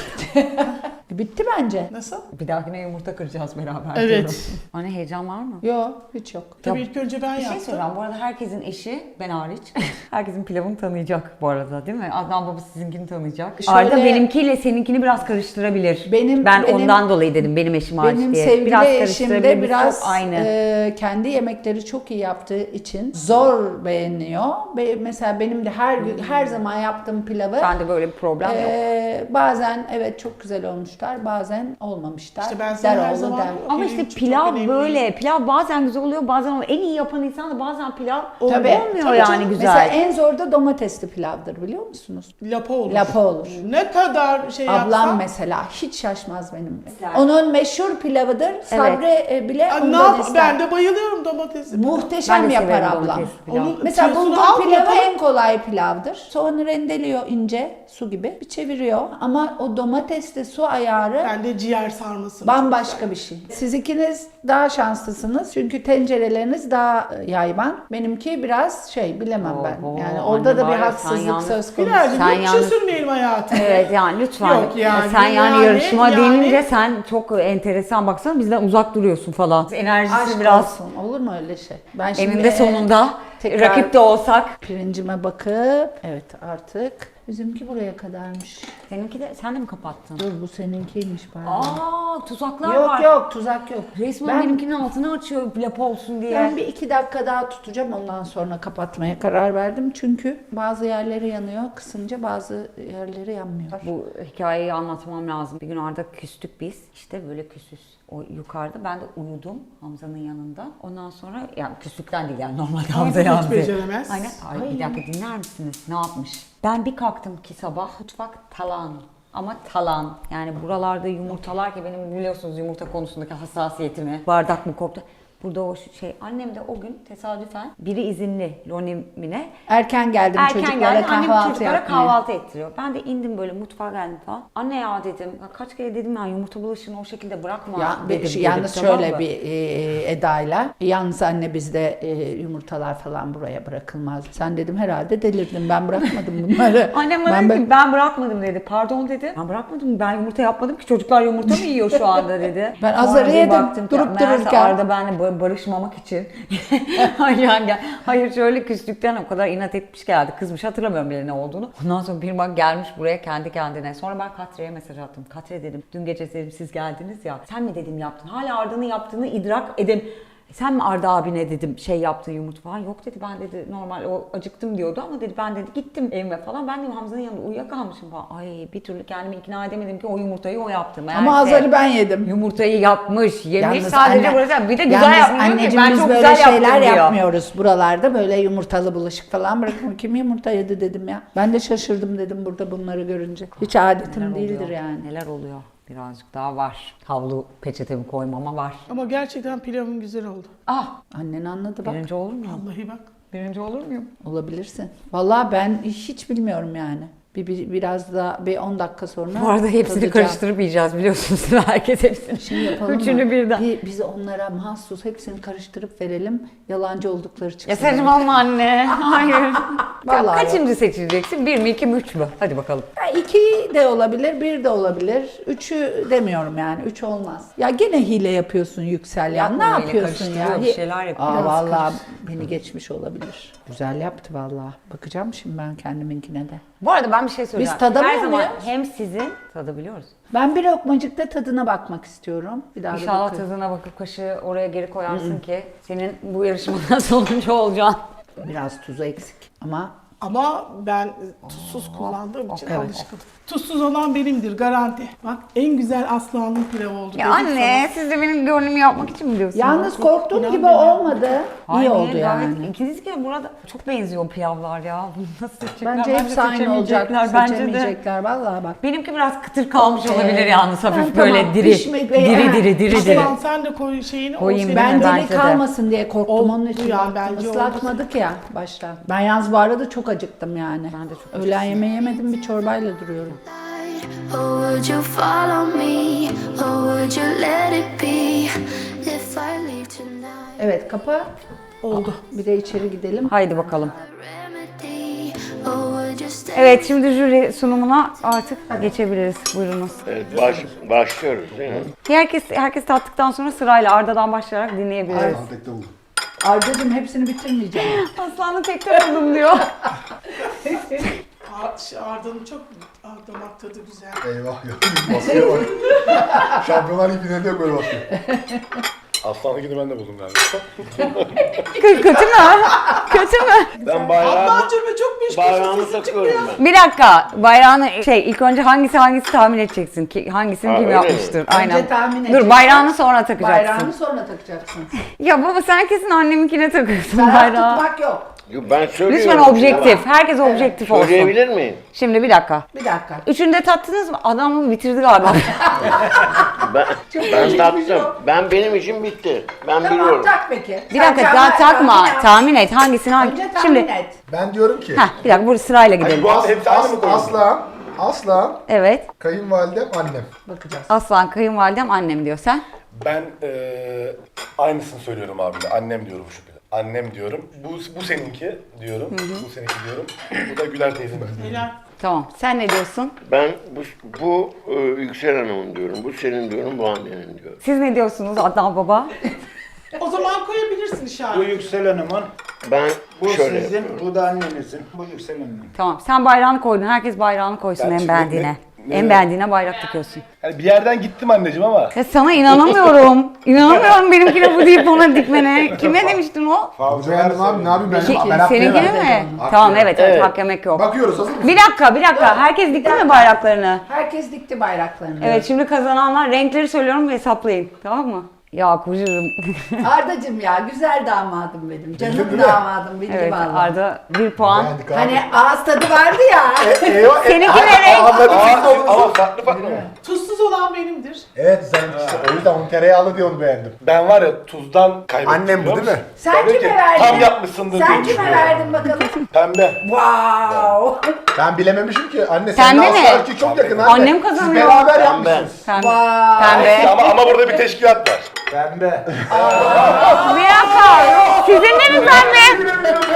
S2: Bitti bence.
S4: Nasıl?
S1: Bir dahakine yumurta kıracağız beraber.
S4: Evet.
S1: diyorum. Anne heyecan var mı?
S2: Yok hiç yok.
S4: Tabii ilk önce ben
S1: Bir şey
S4: yaptım.
S1: söyleyeceğim. Bu arada herkesin eşi, ben hariç, herkesin pilavını tanıyacak bu arada değil mi? Adnan baba sizinkini tanıyacak.
S2: Şöyle-
S1: Arda benimkiyle seninkini biraz karıştırabilir.
S2: Benim-
S1: ben
S2: benim-
S1: ondan dolayı dedim benim eşim hariç
S2: Benim
S1: diye.
S2: sevgili
S1: biraz
S2: eşim
S1: karıştırabilir.
S2: de
S1: Biz
S2: biraz
S1: çok aynı.
S2: e, kendi yemekleri çok iyi yaptığı için zor beğeniyor. Be- mesela benim de her gün her zaman yaptığım pilavı
S1: ben de böyle bir problem yok.
S2: e, bazen evet çok güzel olmuşlar, bazen olmamışlar.
S4: İşte ben sana
S2: Der
S4: her
S2: oğlu
S4: zaman-
S2: der.
S1: Ama
S4: Benim
S1: işte
S4: için çok
S1: pilav
S4: önemli
S1: böyle.
S4: değil.
S1: Pilav bazen güzel oluyor, bazen olmuyor. En iyi yapan insan da bazen pilav
S2: Tabii.
S1: olmuyor
S2: Tabii
S1: yani
S2: canım.
S1: güzel.
S2: Mesela en zor da domatesli pilavdır biliyor musunuz?
S4: Lapa olur.
S2: Lapa olur.
S4: Ne kadar şey
S2: Ablam
S4: yapsam.
S2: mesela hiç şaşmaz benimle.
S1: Güzel.
S2: Onun meşhur pilavıdır. Sabri e, bile
S4: Aa, ne
S2: ondan
S4: yap?
S2: ister.
S4: Ben de bayılıyorum domatesi.
S2: Muhteşem
S1: Ben de
S2: yapar
S1: severim
S2: ablam.
S1: domatesli pilav.
S4: Onun
S2: Mesela
S4: tüyosunu
S2: bulgur
S4: al,
S2: pilavı
S4: yapalım.
S2: en kolay pilavdır. Soğanı rendeliyor ince su gibi bir çeviriyor. Ama o domatesli su ayarı
S4: Ben de ciğer sarması.
S2: bambaşka bir şey. Siz ikiniz daha şanslısınız çünkü tencereleriniz daha yayvan. Benimki biraz şey bilemem ben.
S1: Oho,
S2: Yani
S1: anne
S2: orada da
S1: var
S2: bir
S1: ya, sen
S2: haksızlık
S1: yalnız-
S2: söz konusu.
S4: Birazcık
S1: Sen
S4: yok bir şey
S1: yalnız-
S4: sürmeyelim hayatım.
S1: Evet yani lütfen.
S4: Yok yani,
S1: sen yani,
S4: yani,
S1: yarışma
S4: yani-
S1: denince sen çok enteresan, baksana bizden uzak duruyorsun falan. Enerjisi
S2: Aşk
S1: biraz
S2: olsun. Olur mu öyle şey? Ben şimdi
S1: eninde sonunda
S2: tekrar-
S1: rakip de olsak.
S2: pirincime bakıp evet artık bizimki buraya kadarmış.
S1: Seninki de sen de mi kapattın?
S2: Dur bu seninkiymiş pardon.
S1: Aa tuzaklar
S2: Yok
S1: var.
S2: yok tuzak yok.
S1: Resmen
S2: Ben-
S1: benimkinin altını açıyor lapa olsun diye.
S2: Ben bir iki dakika daha tutacağım ondan sonra kapatmaya karar verdim. Çünkü bazı yerleri yanıyor kısınca bazı yerleri yanmıyor.
S1: Bu hikayeyi anlatmam lazım. Bir gün Arda küstük biz. İşte böyle küsüz. O yukarıda ben de uyudum Hamza'nın yanında. Ondan sonra yani küslükten değil yani normalde Hamza
S4: hiç
S1: yandı.
S4: beceremez.
S1: Aynen. Ay, bir dakika dinler misiniz? Ne yapmış? Ben bir kalktım ki sabah mutfak talan. Ama talan. Yani buralarda yumurtalar ki benim biliyorsunuz yumurta konusundaki hassasiyetimi. Bardak mı koptu? Burada o şey annem de o gün tesadüfen biri izinli Lonimine.
S2: Erken geldim
S1: Erken
S2: çocuklara
S1: geldi. Annem
S2: kahvaltı
S1: çocuklara
S2: yapmaya.
S1: kahvaltı ettiriyor. Ben de indim böyle mutfağa geldim falan. Anne ya dedim. ya Kaç kere dedim ya yumurta bulaşığını o şekilde bırakma
S2: Ya,
S1: dedim.
S2: bir-
S1: dedim,
S2: yalnız
S1: tamam
S2: şöyle
S1: mı?
S2: bir e, edayla. Yalnız anne bizde e, yumurtalar falan buraya bırakılmaz. Sen dedim herhalde delirdin. Ben bırakmadım bunları.
S1: Annem bana
S2: ben,
S1: dedi ki ben bırakmadım dedi. Pardon dedi. Ben bırakmadım. Ben yumurta yapmadım ki. Çocuklar yumurta mı yiyor şu anda dedi.
S2: Ben
S1: Sonra
S2: azarı
S1: bir
S2: yedim,
S1: baktım ki,
S2: durup
S1: meğerse
S2: dururken.
S1: Arda benimle ba- barışmamak için. hayır, yani, hayır şöyle küslükten o kadar inat etmiş geldi. Kızmış hatırlamıyorum bile ne olduğunu. Ondan sonra bir bak gelmiş buraya kendi kendine. Sonra ben Katre'ye mesaj attım. Katre dedim dün gece dedim siz geldiniz ya. Sen mi dedim yaptın? Hala Arda'nın yaptığını idrak edem. Sen mi Arda abine dedim şey yaptın yumurta falan. Yok dedi ben dedi normal o acıktım diyordu ama dedi ben dedi gittim evime falan. Ben dedim Hamza'nın yanında uyuyakalmışım falan. Ay bir türlü kendimi ikna edemedim ki o yumurtayı o yaptı.
S2: Ama
S1: Meğerse
S2: azarı ben yedim.
S1: Yumurtayı yapmış, yemiş
S2: Yalnız
S1: sadece
S2: anne-
S1: burası. Bir de güzel
S2: yalnız
S1: yapmıyor ki.
S2: anneciğim
S1: Ben
S2: biz
S1: çok
S2: böyle
S1: güzel
S2: şeyler
S1: yaptım diyor.
S2: yapmıyoruz buralarda. Böyle yumurtalı bulaşık falan bırakın. Kim yumurta yedi dedim ya. Ben de şaşırdım dedim burada bunları görünce. Hiç adetim
S1: Neler
S2: değildir
S1: oluyor?
S2: yani.
S1: Neler oluyor? Birazcık daha var. Havlu peçetemi koymama var.
S4: Ama gerçekten pilavın güzel oldu.
S1: Ah!
S2: Annen anladı bak.
S1: Birinci olur muyum?
S4: Vallahi bak.
S1: Birinci olur muyum?
S2: Olabilirsin. Vallahi ben hiç bilmiyorum yani. Bir, bir biraz da bir on dakika sonra
S1: Bu arada hepsini
S2: tadacağım.
S1: karıştırıp yiyeceğiz biliyorsunuz. Herkes hepsini.
S2: Şey yapalım
S1: Üçünü
S2: mı?
S1: birden.
S2: Bir, biz onlara mahsus hepsini karıştırıp verelim. Yalancı oldukları çıksın.
S1: Ya saçmalama anne. Hayır.
S2: Vallahi
S1: Kaçıncı seçeceksin? Bir mi, iki mi, üç mü? Hadi bakalım.
S2: Ya iki de olabilir, bir de olabilir. Üçü demiyorum yani. Üç olmaz. Ya gene hile yapıyorsun Yüksel ya.
S1: Yapma
S2: Ne
S1: öyle,
S2: yapıyorsun ya?
S1: karıştırıyor, bir şeyler yapıyor.
S2: Aa,
S1: Biraz
S2: vallahi beni geçmiş olabilir. Güzel yaptı vallahi. Bakacağım şimdi ben kendiminkine de.
S1: Bu arada ben bir şey söyleyeceğim.
S2: tadamıyor
S1: Her zaman
S2: muyuz?
S1: hem sizin tadabiliyoruz.
S2: Ben bir lokmacıkta tadına bakmak istiyorum. Bir daha da
S1: İnşallah
S2: bakarım.
S1: tadına bakıp kaşığı oraya geri koyarsın ki senin bu yarışmada sonuncu olacaksın.
S2: Biraz tuzu eksik ama
S4: Ama ben tuzsuz kullandığım için
S2: evet.
S4: alışkınım. Tuzsuz olan benimdir garanti. Bak en güzel Aslıhan'ın pilavı oldu.
S1: Ya
S4: dedim
S1: anne siz de benim gönlümü yapmak için mi diyorsunuz?
S2: yalnız korktuğum
S4: İnan
S2: gibi
S4: beni.
S2: olmadı.
S1: Hayır,
S2: İyi oldu
S1: gayet-
S2: yani.
S1: İkiniz ki burada çok benziyor pilavlar ya. Bunu nasıl seçecekler?
S2: Bence hepsi aynı olacak.
S1: Bence de.
S2: Seçemeyecekler vallahi bak.
S1: Benimki biraz kıtır kalmış olabilir
S2: Ee,
S1: yalnız hafif
S2: ben
S1: böyle
S2: tamam,
S1: diri.
S2: pişmek ve-
S1: diri
S2: Ha,
S1: diri diri diri.
S4: Aslan sen de koy şeyini. o
S1: Koyayım
S4: senin-
S1: ben.
S2: Ben
S1: Bence
S2: deli
S1: de.
S2: kalmasın diye korktum
S4: Oldu
S2: onun için
S4: ya,
S2: baktım.
S4: bence oldu.
S2: Islatmadık ya başta. Ben yalnız bu arada çok acıktım yani.
S1: Ben de çok
S2: Öğlen yemeği yemedim bir çorbayla duruyorum.
S5: Or would you follow me? Or would you let it be? If I leave tonight,
S2: Evet kapa.
S4: Oldu.
S2: Bir de içeri gidelim.
S1: Haydi bakalım.
S5: remedy.
S1: Evet, şimdi jüri sunumuna artık geçebiliriz. Buyurunuz.
S6: Evet, baş, başlıyoruz değil mi?
S1: Herkes herkes tattıktan sonra sırayla Arda'dan başlayarak dinleyebiliriz.
S3: Tekte buldum.
S2: Arda'cığım hepsini bitirmeyeceğim.
S1: Aslanı tekrar buldum diyor.
S4: Arda'nın çok Aa, damak tadı güzel.
S3: Eyvah ya. Masaya bak. Şampiyonlar Ligi'nde de böyle basıyor.
S7: Aslanlıkini ben de buldum galiba.
S1: Kö- kötü mü? Kötü mü?
S6: Ben bayrağımı,
S4: Ablacığım çok meşgul
S6: bayrağımı
S4: sesi çıktı
S6: takıyorum
S4: ya.
S6: ben.
S1: Bir dakika. Bayrağını şey ilk önce hangisi hangisi tahmin edeceksin ki hangisini
S6: Ha,
S1: kim
S6: öyle mi?
S1: yapmıştır. Aynen.
S2: Önce tahmin
S1: Dur
S2: edeceksin.
S1: bayrağını sonra takacaksın.
S2: Bayrağını sonra takacaksın.
S1: Ya baba sen kesin anneminkine takıyorsun
S2: Taraf
S1: bayrağı.
S2: tutmak yok.
S6: Yo, ben söylüyorum.
S1: Lütfen objektif. Herkes objektif olsun.
S6: Söyleyebilir miyim?
S1: Şimdi bir dakika.
S2: Bir dakika.
S1: Üçünü de tattınız mı? Adam bitirdi galiba.
S6: Ben, ben tattım. Ben benim için bitti. Ben
S2: Tamam
S6: biliyorum.
S2: tak peki.
S1: Bir
S2: Sen
S1: dakika
S2: tahmin-
S1: daha takma.
S2: tahmin et.
S1: Tahmin et hangisini hangi.
S2: Önce tahmin
S1: Şimdi
S2: et.
S3: Ben diyorum ki.
S1: heh, bir dakika bu sırayla gidelim.
S7: Bu hepsi aynı
S3: As,
S7: mı koyuyorsun?
S3: aslan, aslan,
S1: Evet.
S3: kayınvalidem, annem.
S2: Bakacağız.
S1: Aslan kayınvalidem annem diyor sen.
S7: Ben eee aynısını söylüyorum abi de. Annem diyorum şu bir. Annem diyorum. Bu bu seninki diyorum. Bu seninki diyorum. Bu da Güler teyzemin.
S4: Helal.
S1: Tamam. Sen ne diyorsun?
S6: Ben bu, bu e, Yüksel Hanım'ın diyorum. Bu senin diyorum. Bu annenin diyorum.
S1: Siz ne diyorsunuz Adnan baba?
S4: O zaman koyabilirsin
S8: Bu
S4: işareti.
S8: Yüksel Hanım'ın,
S6: Ben
S8: bu
S6: şöyle
S8: sizin,
S6: yapıyorum.
S8: bu da annenizin. Bu Yüksel Hanım'ın.
S1: Tamam. Sen bayrağını koydun. Herkes bayrağını koysun
S7: Ben
S1: en
S7: şimdi
S1: beğendiğine.
S7: ne- ne-
S1: En beğendiğine bayrak takıyorsun.
S7: Yani bir yerden gittim anneciğim ama.
S1: Ya sana inanamıyorum. İnanamıyorum benimkine bu deyip ona dikmene. Kime demiştin o?
S3: Bu beğendim abi, ne yapayım ben?
S2: Peki,
S3: Ben hakkı
S1: Seninkine
S3: yemedim.
S1: mi?
S3: Hakkı
S1: Tamam
S3: yemedim.
S1: evet evet,
S6: Evet.
S1: hak yemek yok.
S3: Bakıyoruz, hazır mısın?
S1: Bir dakika bir dakika. Herkes dikti mi bayraklarını?
S2: Herkes dikti bayraklarını.
S1: Evet şimdi kazananlar renkleri söylüyorum ve hesaplayın. Tamam mı? Ya kucurum.
S2: Ardacığım ya güzel damadım benim. Canım
S3: Bildin mi?
S2: damadım bildi
S1: Evet
S2: vallahi.
S1: Arda bir puan.
S3: Beğendik abi.
S2: Hani ağız tadı vardı ya.
S3: Eyvah, e-
S1: Seninki
S3: Ay-
S1: ne renk?
S3: Anladım siz de
S7: Aa,
S3: onu.
S7: ama farklı farklı mı?
S4: Tuzsuz olan benimdir.
S3: Evet sen işte o yüzden onun tereyağlı diye onu beğendim.
S7: Ben var ya tuzdan kaybettim.
S3: Annem bu
S7: biliyor
S3: değil mi?
S7: musun?
S2: Sen
S7: Tabii
S2: kime
S7: ki.
S2: verdin?
S7: Tam yapmışsındır diye
S2: Sen kime
S7: düşünüyorum.
S2: verdin bakalım?
S7: Pembe.
S2: Wow.
S3: Ben bilememişim ki. Anne
S1: Pembe
S3: seninle
S1: mi?
S3: asla erkek çok yakın anne.
S1: Annem kazanıyor.
S3: Siz beraber
S6: Pembe.
S3: yapmışsınız.
S1: Pembe.
S2: Wow.
S1: Pembe.
S7: Ama, ama burada bir teşkilat var.
S8: Pembe.
S1: Bir dakika. Sizin de mi pembe?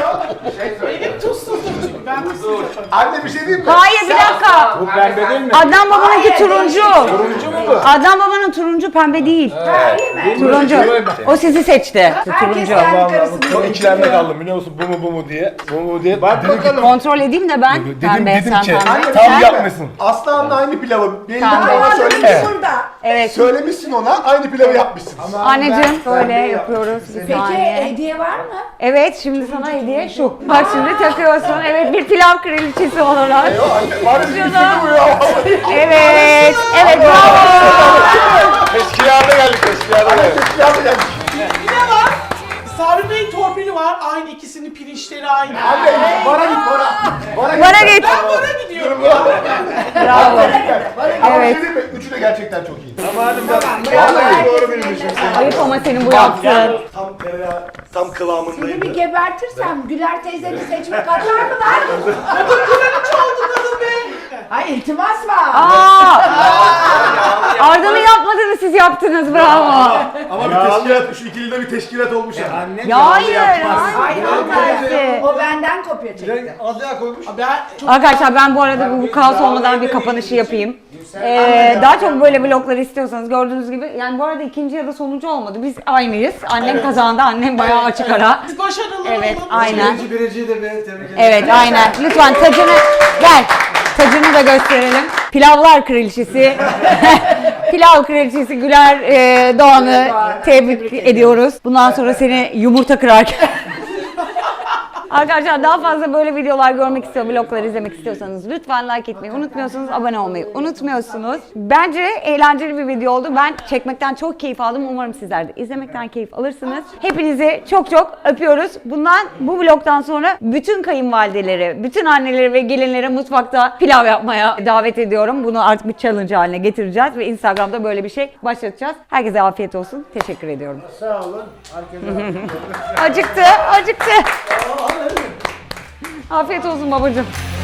S4: Benim tuzsuzdur çünkü ben tuzsuz yaparım.
S3: Anne bir şey diyeyim mi?
S1: Hayır bir dakika.
S8: Bu pembe değil mi?
S1: Adnan babanınki
S2: Hayır,
S1: turuncu.
S3: Turuncu mu bu?
S1: Adnan babanın turuncu pembe değil.
S2: Hayır mi?
S1: Turuncu. O sizi seçti.
S2: Herkes
S1: Turuncu.
S2: kendi karısını
S7: Çok
S2: seçiyor.
S7: ikilemde kaldım biliyor musun? Bu mu bu mu diye. Bu mu diye.
S8: Bak
S7: Dedim ki,
S8: bakalım.
S1: Kontrol edeyim de ben.
S7: dedim,
S1: Pembe
S7: dedim
S1: sen
S7: ki
S1: pembe.
S7: tam
S3: Sen
S7: yapmışsın.
S3: mi? Aslan'la aynı pilavı. Belli
S1: Tamam.
S3: bir ona
S2: Damadımız
S3: söylemişsin.
S2: burada.
S1: Evet.
S3: Söylemişsin ona, aynı pilavı yapmışsın.
S1: Anneciğim böyle
S8: pembe
S1: yapıyoruz. Bir
S2: Peki
S1: saniye.
S2: hediye var mı?
S1: Evet şimdi sana hediye şu. Bak şimdi takıyorsun. Evet bir pilav kraliçesi olarak.
S3: Anne, var ya bir
S1: Şunu.
S3: film bu ya.
S1: Evet. Evet bravo.
S7: Teşkilata geldik teşkilata geldik.
S3: Teşkilatı gelmiş.
S4: Bir de var. Sabri Bey torpili var. Aynı ikisinin pirinçleri aynı.
S3: Anne, bara git bara. Bara git.
S1: Bana git.
S4: Ben bara gidiyorum.
S1: Bravo.
S3: Ama
S1: Evet.
S3: bir şey diyeyim mi? Üçü de gerçekten çok iyi.
S2: Vallahi doğru bilmişim.
S1: Ayıp ama senin bu yaptığın.
S7: Tam tereyağı, tam
S2: Seni bir
S7: kıvamındaydı.
S2: gebertirsem Güler teyzeni seçmek atar mı lan?
S4: Oldu kadın be.
S2: Ay iltimas var.
S1: Aa! Arda'nın yapmadığını siz yaptınız bravo.
S7: Ama bir teşkilat, şu ikilide bir teşkilat olmuş yani.
S8: Annem
S1: Ya hayır.
S2: Ay
S1: Hayır.
S2: hanımefendi. O benden kopya çekti.
S4: Ben çok
S1: Arkadaşlar ben bu arada bu, bu kaos olmadan bir kapanışı yapayım. Ee, daha çok böyle vloglar istiyorsanız gördüğünüz gibi yani bu arada ikinci ya da sonuncu olmadı. Biz aynıyız. Annem kazandı. Annem bayağı açık ara.
S4: başarılı
S1: Evet
S4: olalım.
S1: aynen.
S8: Birinci biriciyi de bir tebrik ederim.
S1: Evet aynen. Lütfen tacını gel. Tacını da gösterelim. Pilavlar kraliçesi. Pilav kraliçesi Güler e, Doğan'ı tebrik ediyoruz. Bundan sonra seni yumurta kırarken. Arkadaşlar daha fazla böyle videolar görmek istiyor, vloglar izlemek istiyorsanız lütfen like etmeyi unutmuyorsunuz, abone olmayı unutmuyorsunuz. Bence eğlenceli bir video oldu. Ben çekmekten çok keyif aldım. Umarım sizler de izlemekten keyif alırsınız. Hepinizi çok çok öpüyoruz. Bundan, bu vlogdan sonra bütün kayınvalideleri, bütün anneleri ve gelinleri mutfakta pilav yapmaya davet ediyorum. Bunu artık bir challenge haline getireceğiz ve Instagram'da böyle bir şey başlatacağız. Herkese afiyet olsun. Teşekkür ediyorum.
S8: Sağ olun. Herkese
S1: Acıktı, acıktı. Afiyet olsun babacığım.